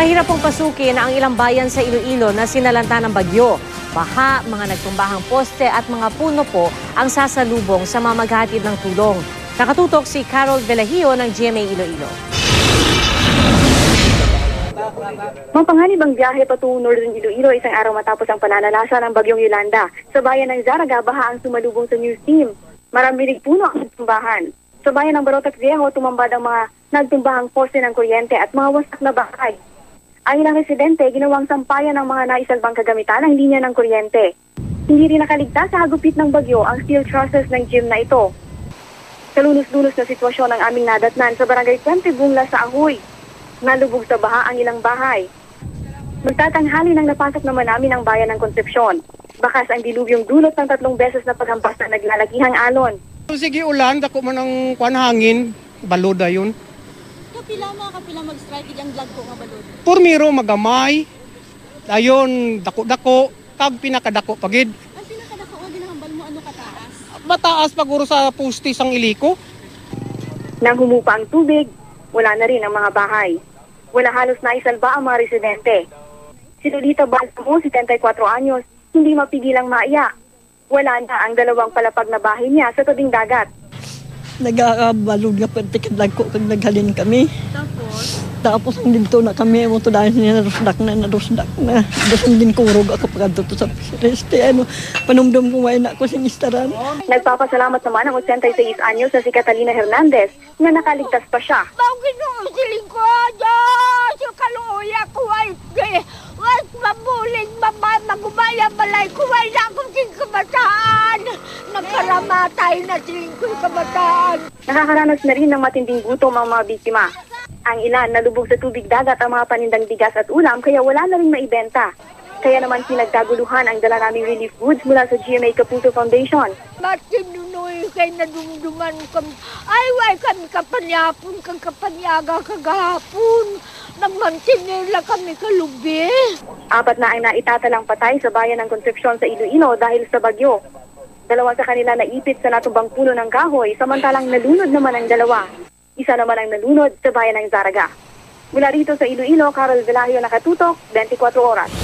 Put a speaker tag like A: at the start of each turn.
A: Mahirap pong pasukin ang ilang bayan sa Iloilo na sinalanta ng bagyo. Baha, mga nagtumbahang poste at mga puno po ang sasalubong sa mga maghatid ng tulong. Nakatutok si Carol Velahio ng GMA Iloilo.
B: Mapanganib ang biyahe patungo Northern Iloilo isang araw matapos ang pananalasa ng bagyong Yolanda. Sa bayan ng Zaraga, baha ang sumalubong sa news team. Maraming puno ang nagtumbahan. Sa bayan ng Barotac Viejo, tumambad ang mga nagtumbahang poste ng kuryente at mga wasak na bahay. Ang ilang residente, ginawang sampayan ng mga naisalbang kagamitan ng linya ng kuryente. Hindi rin nakaligtas sa hagupit ng bagyo ang steel trusses ng gym na ito. Kalunos-lunos na sitwasyon ang aming nadatnan sa barangay Puente Bungla sa Ahoy. Nalubog sa baha ang ilang bahay. Magtatanghali nang napasok naman namin ang bayan ng Concepcion. Bakas ang dilubyong dulot ng 3 beses na paghampas na naglalagihang alon.
C: Sige ulan, dako man ang hangin, baloda yun.
D: Kapila mag-strike ang vlog ko nga balod.
C: Purmiro magamay, ayon dako-dako, kag pinakadako pagid.
D: Ang pinakadako nga ginahambal mo ano kataas?
C: Mataas paguro sa pustis ang iliko.
B: Nang humupa ang tubig, wala na rin ang mga bahay. Wala halos naisalba ang mga residente. Si Lolita Balsamo, 74 anyos, hindi mapigilang maiyak. Wala na ang 2 palapag na bahay niya sa tabing dagat.
E: Nagakabalod nga pertikadlag ko kag naghalin kami.
D: Tapos
E: ang dito na kami mo to dahil narusdak na. Dasang din kurog ako pagkadto to sa reste panumdum ko way na ko sing istaran.
B: Nagpapasalamat naman ang 86 anyos na si Catalina Hernandez na nakaligtas pa siya.
D: bakit nung siling ko Diyos yung kaluya ko ay was mabuling magumaya balay ko ay na akong sing kabataan. Nagkaramatay na siling ko yung kabataan.
B: Nakakaranas na rin ng matinding gutom ang mga biktima. Ang ilan nalubog sa tubig dagat ang mga panindang bigas at ulam kaya wala na rin maibenta. Kaya naman pinagkaguluhan ang dala naming relief goods mula sa GMA Kapuso Foundation.
D: Ba't sinunoy kay nadumduman kami? Ay, way kami kapanyapon, kang kapanyaga kagahapon. Nagmantinila kami kalubi.
B: 4 na ang naitatalang patay sa bayan ng Concepcion sa Iloilo dahil sa bagyo. 2 sa kanila naipit sa natumbang puno ng kahoy, samantalang nalunod naman ang 2. Isa naman ang nalunod sa bayan ng Zaraga. Mula rito sa Iloilo, Carol Velahio, Nakatutok, 24 Oras.